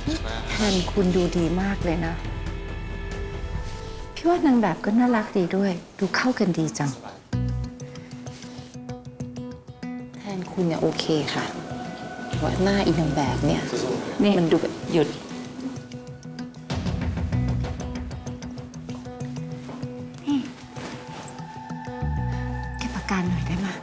แทนคุณดูดีมากเลยนะพี่ว่านางแบบก็น่ารักดีด้วย ดูเข้ากันดีจังแทนคุณเนี่ยโอเคค่ะว่าหน้าอีนางแบบเนี่ยนี่มันดูแบบหยุดเก็บอาการหน่อยได้ไหม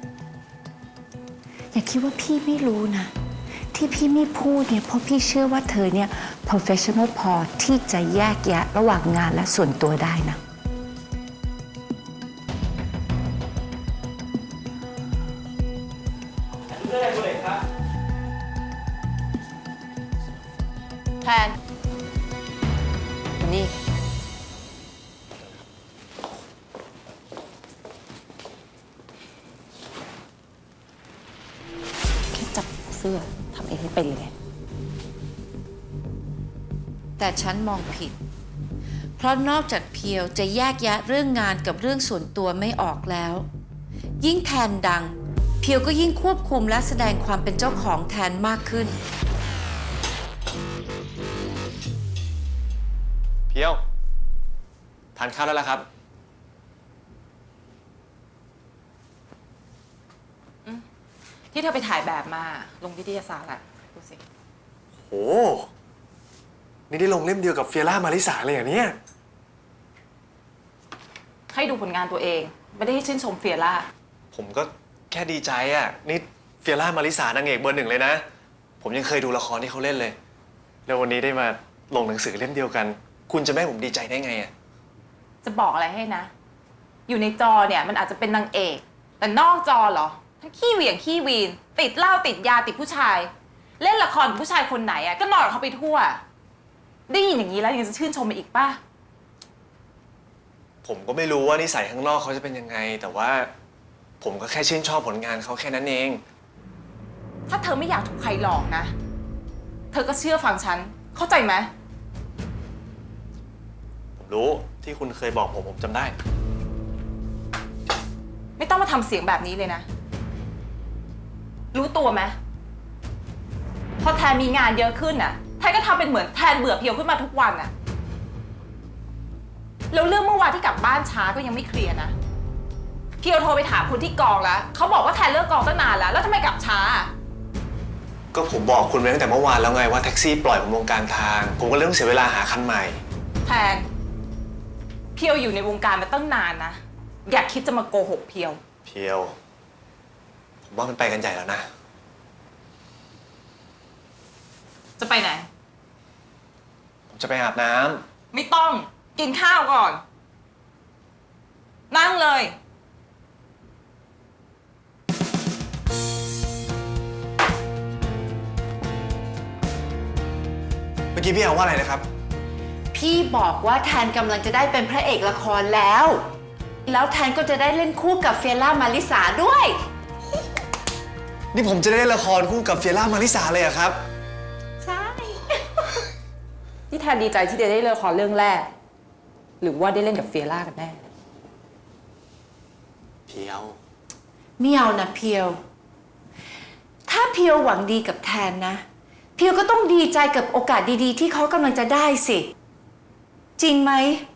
อย่าคิดว่าพี่ไม่รู้นะที่พี่ไม่พูดเนี่ยเพราะพี่เชื่อว่าเธอเนี่ย professional พอที่จะแยกแยะระหว่างงานและส่วนตัวได้นะแทนนี่แค่จับเสื้อทำเองไม่เป็นเลยแต่ฉันมองผิดเพราะนอกจากเพียวจะแยกแยะเรื่องงานกับเรื่องส่วนตัวไม่ออกแล้วยิ่งแทนดังเพียวก็ยิ่งควบคุมและแสดงความเป็นเจ้าของแทนมากขึ้นเพียวทานข้าวแล้วล่ะครับที่เธอไปถ่ายแบบมาลงวิทยาศาสตร์อะดูสิโอ้นี่ได้ลงเล่มเดียวกับเฟียร่ามาริสาเลยเหรอเนี่ยให้ดูผลงานตัวเองไม่ได้ให้ชื่นชมเฟียร่าผมก็แค่ดีใจอ่ะนี่เฟียร่ามาริสานางเอกเบอร์ 1เลยนะผมยังเคยดูละครที่เขาเล่นเลยแล้ววันนี้ได้มาลงหนังสือเล่มเดียวกันคุณจะไม่ให้ผมดีใจได้ไงอ่ะจะบอกอะไรให้นะอยู่ในจอเนี่ยมันอาจจะเป็นนางเอกแต่นอกจอเหรอทั้งขี้เหวี่ยงขี้วีนติดเหล้าติดยาติดผู้ชายเล่นละครกับผู้ชายคนไหนอะก็นอนกับเขาไปทั่วได้ยินอย่างนี้แล้วยังจะชื่นชมมาอีกป่ะผมก็ไม่รู้ว่านิสัยข้างนอกเขาจะเป็นยังไงแต่ว่าผมก็แค่ชื่นชอบผลงานเขาแค่นั้นเองถ้าเธอไม่อยากถูกใครหลอกนะเธอก็เชื่อฟังฉันเข้าใจไหมผมรู้ที่คุณเคยบอกผมจำได้ไม่ต้องมาทำเสียงแบบนี้เลยนะรู้ตัวไหมพอแทนมีงานเยอะขึ้นน่ะแทนก็ทำเป็นเหมือนแทนเบื่อเพียวขึ้นมาทุกวันน่ะแล้วเรื่องเมื่อวานที่กลับบ้านช้าก็ยังไม่เคลียร์นะเพียวโทรไปถามคนที่กองแล้วเขาบอกว่าแทนเลิกกองตั้งนานแล้วทำไมกลับช้าก็ผมบอกคุณไปตั้งแต่เมื่อวานแล้วไงว่าแท็กซี่ปล่อยผมลงกลางทางผมก็เลยต้องเสียเวลาหาคันใหม่แทนเพียวอยู่ในวงการมาตั้งนานนะอย่าคิดจะมาโกหกเพียวผมว่ามันไปกันใหญ่แล้วนะจะไปไหนผมจะไปอาบน้ำไม่ต้องกินข้าวก่อนนั่งเลยเมื่อกี้พี่เอาว่าอะไรนะครับพี่บอกว่าแทนกำลังจะได้เป็นพระเอกละครแล้วแทนก็จะได้เล่นคู่กับเฟียร่ามาริสาด้วยนี่ผมจะได้เล่นละครคู่กับเฟียร่ามาริสาเลยเหรอครับใช่ ที่แทนดีใจที่จะได้เล่นละครเรื่องแรกหรือว่าได้เล่นกับเฟียร่ากันแน่เพียวไม่เอานะเพียวถ้าเพียวหวังดีกับแทนนะเพียวก็ต้องดีใจกับโอกาสดีๆที่เขากำลังจะได้สิจริงไหม